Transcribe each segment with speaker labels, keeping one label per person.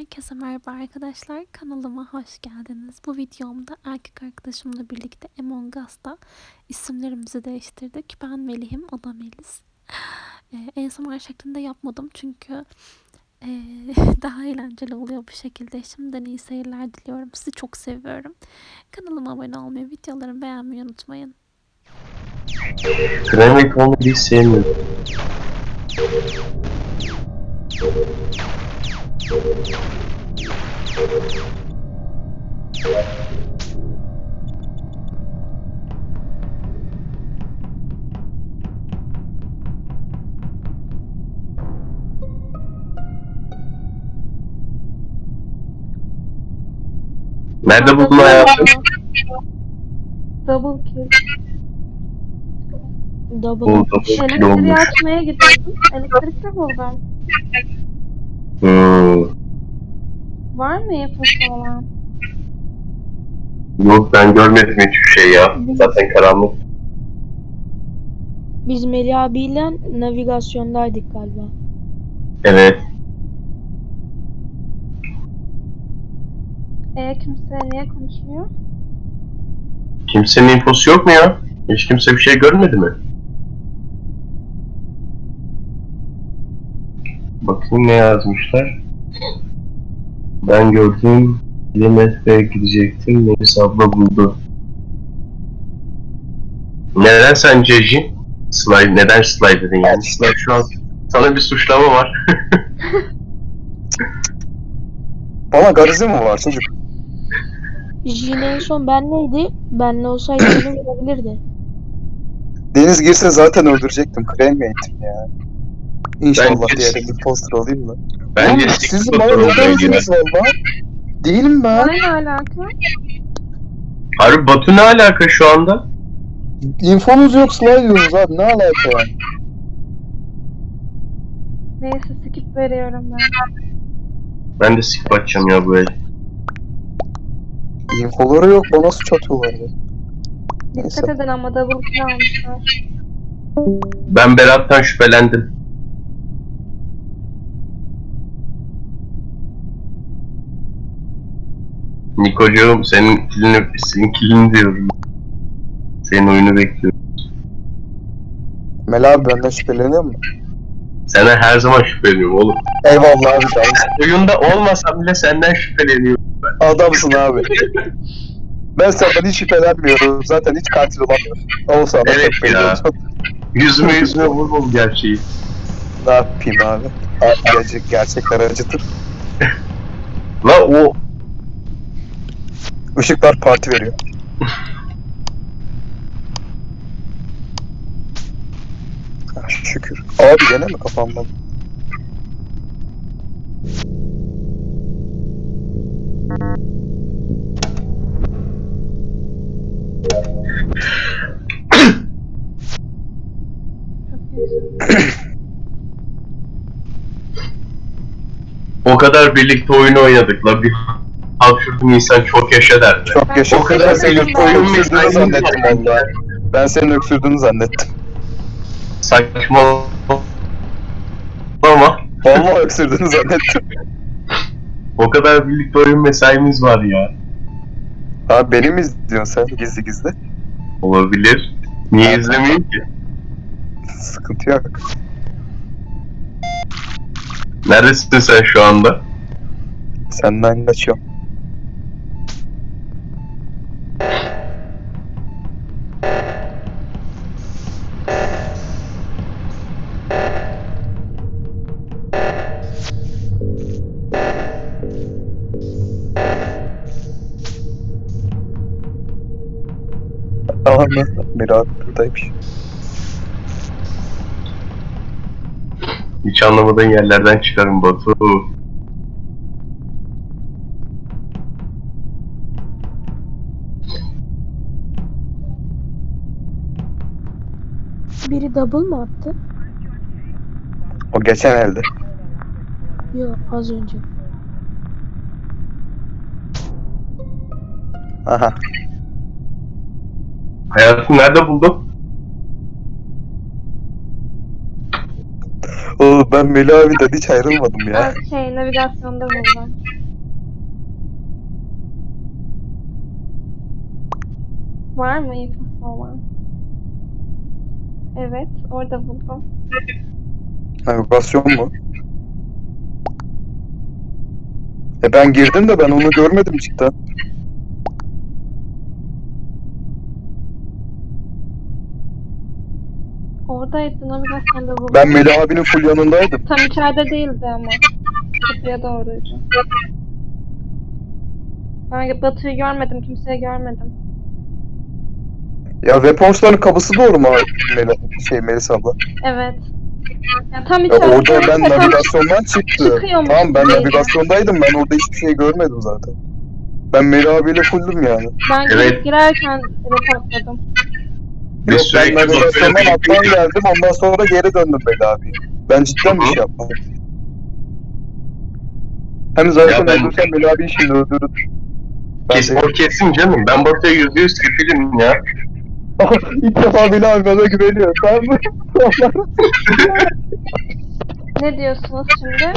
Speaker 1: Herkese merhaba arkadaşlar, kanalıma hoş geldiniz. Bu videomda erkek arkadaşımla birlikte Among Us'ta isimlerimizi değiştirdik. Ben Melih'im, o da Melis. ASMR şeklinde yapmadım çünkü daha eğlenceli oluyor bu şekilde. Şimdiden iyi seyirler diliyorum. Sizi çok seviyorum. Kanalıma abone olmayı, videolarımı beğenmeyi unutmayın.
Speaker 2: Kremik onu hiç sevmiyorum. Nerede buldun hayatım?
Speaker 3: Double kill.
Speaker 2: Buldum.
Speaker 3: Elektriği
Speaker 2: Olmuş.
Speaker 3: açmaya gidiyordum. Elektrikte buldum. Var mı yapısı olan?
Speaker 2: Yok, ben görmedim hiçbir şey ya. Zaten karanlık.
Speaker 4: Biz Melih abiyle navigasyondaydık galiba.
Speaker 2: Evet.
Speaker 3: Kimse niye konuşmuyor?
Speaker 2: Kimsenin infosu yok mu ya? Hiç kimse bir şey görmedi mi? Bakayım ne yazmışlar. Ben gördüm. IMF'ye gidecektim. Melis abla buldu. Neden sence Jin? Slide, neden slide dedin yani? Slide şu an sana bir suçlama var.
Speaker 5: Bana garizi mi var çocuk?
Speaker 4: Jin en son benleydi. Benle olsaydı beni vurabilirdi.
Speaker 5: Deniz girse zaten öldürecektim. Cremate'im ya. İnşallah
Speaker 2: Bence-
Speaker 5: diğer bir poster alayım da.
Speaker 2: Bence
Speaker 5: Oğlum, siz
Speaker 2: Six
Speaker 5: bana
Speaker 2: Foot
Speaker 5: ne
Speaker 2: olmayı
Speaker 5: gariziniz valla? Değilim ben.
Speaker 3: Bana ne alaka?
Speaker 2: Harbi Batu ne alaka şu anda?
Speaker 5: İnfonuz yok, slide diyorsunuz abi. Ne alaka yani?
Speaker 3: Neyse skip veriyorum ben.
Speaker 2: Ben de skip atacağım ya bu el.
Speaker 5: İnfoları yok. Bana suç atıyorlar ya. Neyse.
Speaker 3: Dikkat edin ama double kill almışlar.
Speaker 2: Ben Berat'tan şüphelendim. Nikocuğum senin kilini diyorum. Senin oyunu bekliyorum.
Speaker 5: Mel abi benden şüpheleniyor mu?
Speaker 2: Sana her zaman şüpheleniyorum oğlum.
Speaker 5: Eyvallah abi.
Speaker 2: Oyunda olmasam bile senden şüpheleniyorum.
Speaker 5: Adamsın abi. Ben senden hiç şüphelenmiyorum. Zaten hiç katil olamıyorum. Olsa da
Speaker 2: Evet
Speaker 5: çok belli
Speaker 2: ya.
Speaker 5: olsun.
Speaker 2: Yüzüme vurmam gerçeği.
Speaker 5: Ne yapayım abi? Gerçekler acıtır.
Speaker 2: La o
Speaker 5: Işıklar parti veriyor. Ah, şükür. Abi gene mi kafamdan?
Speaker 2: o kadar birlikte oyun oynadık la bir hapşurdum insan çok yaşa derdi.
Speaker 5: Çok yaşa.
Speaker 2: O kadar
Speaker 5: Ben senin
Speaker 2: oyun
Speaker 5: öksürdüğünü zannettim valla. Ben senin öksürdüğünü zannettim.
Speaker 2: Saçma ama
Speaker 5: Valla öksürdüğünü zannettim.
Speaker 2: o kadar birlikte oyun mesaimiz var ya.
Speaker 5: Abi beni mi izliyorsun sen gizli gizli?
Speaker 2: Olabilir. Niye izlemeyeyim ki?
Speaker 5: Sıkıntı yok.
Speaker 2: Neredesin sen şu anda?
Speaker 5: Senden kaçıyorum. Tamam mı? Miraç buradaymış.
Speaker 2: Hiç anlamadığın yerlerden çıkarım Batu.
Speaker 4: Biri double mı attı?
Speaker 5: O geçen elde.
Speaker 4: Yok, az önce.
Speaker 5: Aha.
Speaker 2: Hayatını nerede buldun?
Speaker 5: Oğlum ben Melih abiden hiç ayrılmadım ya.
Speaker 3: Ben navigasyonda buldum. Var mı infosu olan? Evet, orada buldum.
Speaker 5: Navigasyon mu? Ben girdim de ben onu görmedim cidden.
Speaker 3: Oradaydı, navigasyonda buldum.
Speaker 5: Ben Melih abinin full yanındaydım.
Speaker 3: Tam içeride değildi ama. Kapıya doğruydu. Ben Batu'yu görmedim, kimseyi görmedim.
Speaker 5: Ya Weapons'ların kapısı doğru mu Melis abla?
Speaker 3: Evet. Ya tam
Speaker 5: Ya
Speaker 3: içeride
Speaker 5: orada ben
Speaker 3: değilse tam
Speaker 5: navigasyondan çıktı.
Speaker 3: çıkıyormuş
Speaker 5: Tamam ben
Speaker 3: gibiydi.
Speaker 5: navigasyondaydım. Ben orada hiçbir şey görmedim zaten. Ben Melih abiyle fulldüm yani.
Speaker 3: Ben
Speaker 2: Evet.
Speaker 3: girerken reportladım.
Speaker 2: Biz
Speaker 5: Yok ben
Speaker 2: sürekli
Speaker 5: navigasyondan
Speaker 2: Batu'yla
Speaker 5: alttan
Speaker 2: birlikte-
Speaker 5: geldim. Ondan sonra geri döndüm Melih abiye. Ben cidden bir şey yapmadım. Hem zaten
Speaker 2: Ya ben-
Speaker 5: öldürsen Melih abiyi şimdi öldürür. Ben de...
Speaker 2: O kesin canım. Ben Batu'ya %100 kefilim ya.
Speaker 5: İlk defa Melih abi bana güveniyor. Tamam mı?
Speaker 3: Ne diyorsunuz şimdi?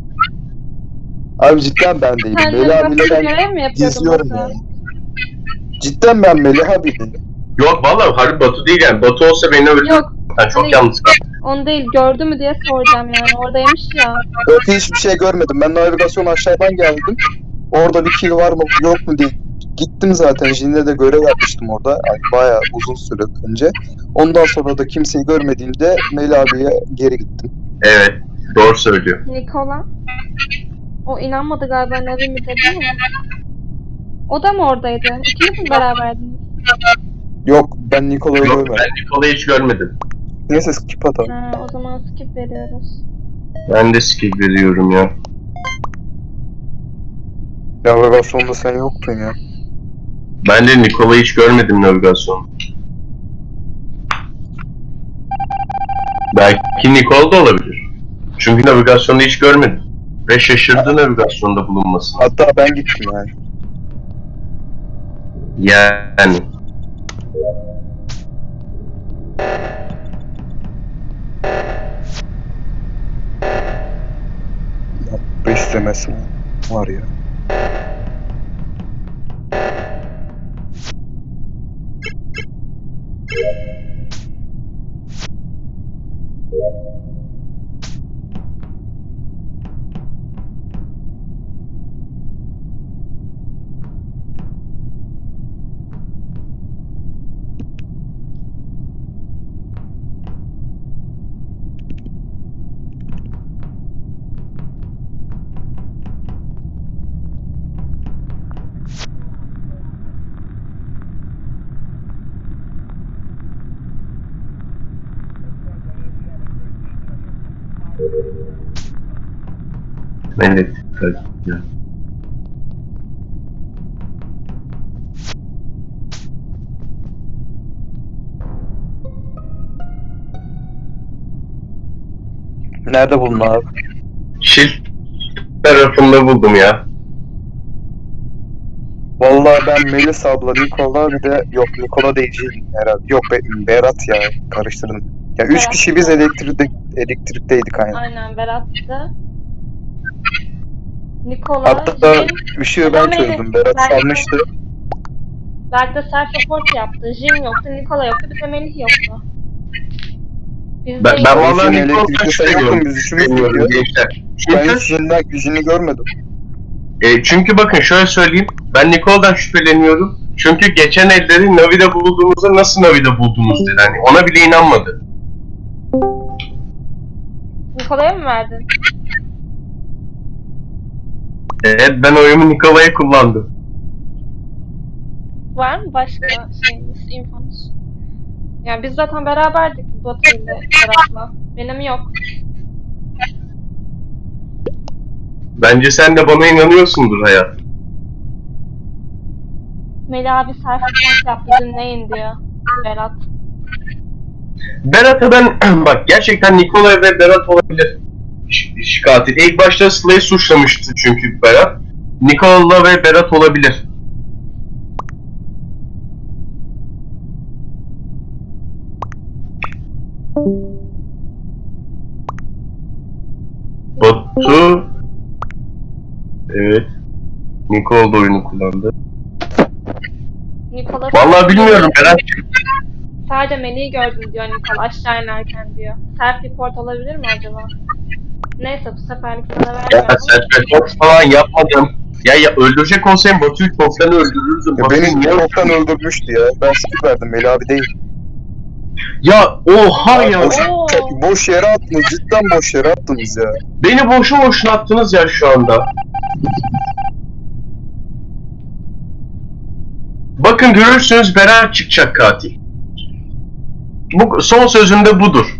Speaker 5: Abi cidden ben değilim.
Speaker 3: Sen
Speaker 5: Melih abiyle
Speaker 3: navigasyon
Speaker 5: ben
Speaker 3: görev mi yapıyordun
Speaker 5: geziyorum
Speaker 3: Batu?
Speaker 5: yani. Cidden ben Melih abi değilim.
Speaker 2: Yok vallahi harbi Batu değil yani. Batu olsa beni öldürür.
Speaker 3: Yok,
Speaker 2: Sen çok
Speaker 3: hani-
Speaker 2: yalnız kaldın.
Speaker 3: onu değil. Gördü mü diye soracağım yani. Oradaymış ya.
Speaker 5: Yok hiçbir şey görmedim. Ben navigasyon aşağıdan geldim. Orada bir kill var mı yok mu diye gittim zaten. Jin'le de görev yapmıştım orada. Yani bayağı uzun süre önce. Ondan sonra da kimseyi görmediğimde Melih abiye geri gittim.
Speaker 2: Evet. Doğru söylüyor.
Speaker 3: Nikola. O inanmadı galiba Navi mi dedi mi? O da mı oradaydı? İkiniz mi beraberdiniz?
Speaker 5: Yok ben Nikola'yı
Speaker 2: Yok
Speaker 5: görmedim.
Speaker 2: ben Nikola'yı hiç görmedim.
Speaker 5: Neyse skip atalım.
Speaker 3: Ha, o zaman skip veriyoruz.
Speaker 2: Ben de skip veriyorum ya.
Speaker 5: Navigasyonda sen yoktun ya.
Speaker 2: Ben de Nikola'yı hiç görmedim navigasyonda. Belki Nikola da olabilir. Çünkü navigasyonda hiç görmedim. Ve şaşırdı navigasyonda bulunmasına.
Speaker 5: Hatta ben gittim yani.
Speaker 2: Yani.
Speaker 5: Bu istemesi var ya.
Speaker 2: Evet. Evet. Ya.
Speaker 5: Nerede buldun abi?
Speaker 2: Şil tarafında buldum ya.
Speaker 5: Vallahi ben Melis abla, Nikola bir de yok Nikola değil Jin herhalde. Yok Berat ya karıştırdım. Ya üç
Speaker 3: Berat.
Speaker 5: kişi biz elektrikteydik aynen.
Speaker 3: Aynen Berat'tı. Nikola,
Speaker 5: Hatta
Speaker 3: Jin,
Speaker 5: ışığı ben
Speaker 3: Melih.
Speaker 5: çözdüm. Berat
Speaker 3: Belki-
Speaker 5: sanmıştı.
Speaker 3: Berk de self-report yaptı. Jin yoktu, Nikola yoktu, bir de Melih yoktu. Biz
Speaker 2: Ben
Speaker 3: değiliz.
Speaker 2: vallahi
Speaker 5: Jin
Speaker 2: Nikola'dan
Speaker 5: elektrikte sen yoktun
Speaker 2: şüpheleniyorum.
Speaker 5: biz üçümüz
Speaker 2: Bilmiyorum
Speaker 5: gidiyor.
Speaker 2: gençler.
Speaker 5: Ben
Speaker 2: Çünkü,
Speaker 5: hiç Jin'i görmedim.
Speaker 2: çünkü bakın şöyle söyleyeyim. Ben Nikola'dan şüpheleniyorum. Çünkü geçen elleri Navi'de bulduğumuzda nasıl Navi'de buldunuz dedi. Hani ona bile inanmadı.
Speaker 3: Nikola'ya mı verdin?
Speaker 2: Evet ben oyumu Nikola'ya kullandım.
Speaker 3: Var mı başka şeyiniz, infonuz? Yani biz zaten beraberdik Batu ile Berat'la. Benim yok.
Speaker 2: Bence sen de bana inanıyorsundur hayat.
Speaker 3: Melih abi self-report yaptı, dinleyin diyor Berat.
Speaker 2: Berat'a ben bak gerçekten Nikola ve Berat olabilir. Katil. İlk başta Slay'ı suçlamıştı çünkü Berat. Nikola ve Berat olabilir. Batu evet. Nikola da oyunu kullandı.
Speaker 3: Nikola
Speaker 2: Vallahi bilmiyorum Berat'cığım.
Speaker 3: sadece Melih'i gördüm diyor Nikola aşağı inerken diyor. Self report olabilir mi acaba? Neyse bu seferlik sana
Speaker 2: Ya
Speaker 3: vermiyorum.
Speaker 2: self-report falan yapmadım. Ya öldürecek olsaydım Batu'yu çoktan öldürürdüm.
Speaker 5: Ya
Speaker 2: Batu'yu
Speaker 5: beni
Speaker 2: niye
Speaker 5: çoktan öldürmüştü ya. Ben skip verdim. Melih abi değil.
Speaker 2: Ya oha ya.
Speaker 3: Oo.
Speaker 5: Boş yere attınız. Cidden boş yere attınız ya.
Speaker 2: Beni boşu boşuna attınız ya şu anda. Bakın görürsünüz Berat çıkacak katil. Bu son sözünde budur.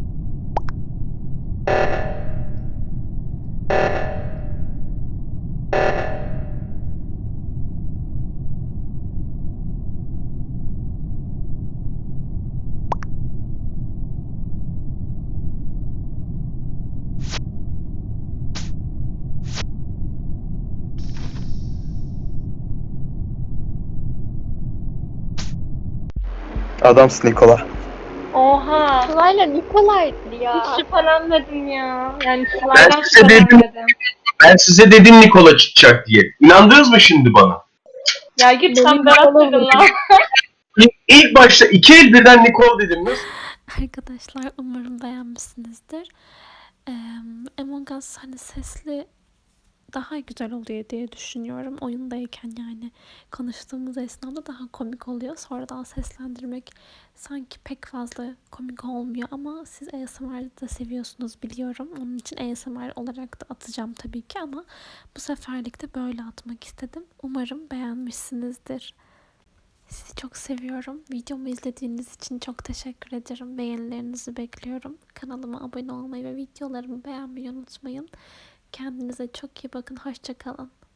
Speaker 5: Adamsın Nikola.
Speaker 3: Oha.
Speaker 4: Sıla'yla Nikola'ydı ya.
Speaker 3: Hiç şüphelenmedim ya. Yani
Speaker 2: Ben
Speaker 3: Sıla'dan
Speaker 2: size dedim.
Speaker 3: şüphelenmedim.
Speaker 2: Ben size dedim Nikola çıkacak diye. İnandınız mı şimdi bana?
Speaker 3: Ya git sen
Speaker 4: Benim
Speaker 3: Berat
Speaker 4: Nikola
Speaker 3: dedin
Speaker 4: vurdu.
Speaker 3: lan.
Speaker 2: İlk başta iki el birden Nikol dedim. Nasıl?
Speaker 1: Arkadaşlar umarım beğenmişsinizdir. Among Us hani sesli daha güzel oluyor diye düşünüyorum. Oyundayken yani konuştuğumuz esnada daha komik oluyor. Sonradan seslendirmek sanki pek fazla komik olmuyor ama siz ASMR'ı da seviyorsunuz biliyorum. Onun için ASMR olarak da atacağım tabii ki ama bu seferlik de böyle atmak istedim. Umarım beğenmişsinizdir. Sizi çok seviyorum. Videomu izlediğiniz için çok teşekkür ederim. Beğenilerinizi bekliyorum. Kanalıma abone olmayı ve videolarımı beğenmeyi unutmayın. Kendinize çok iyi bakın. Hoşça kalın.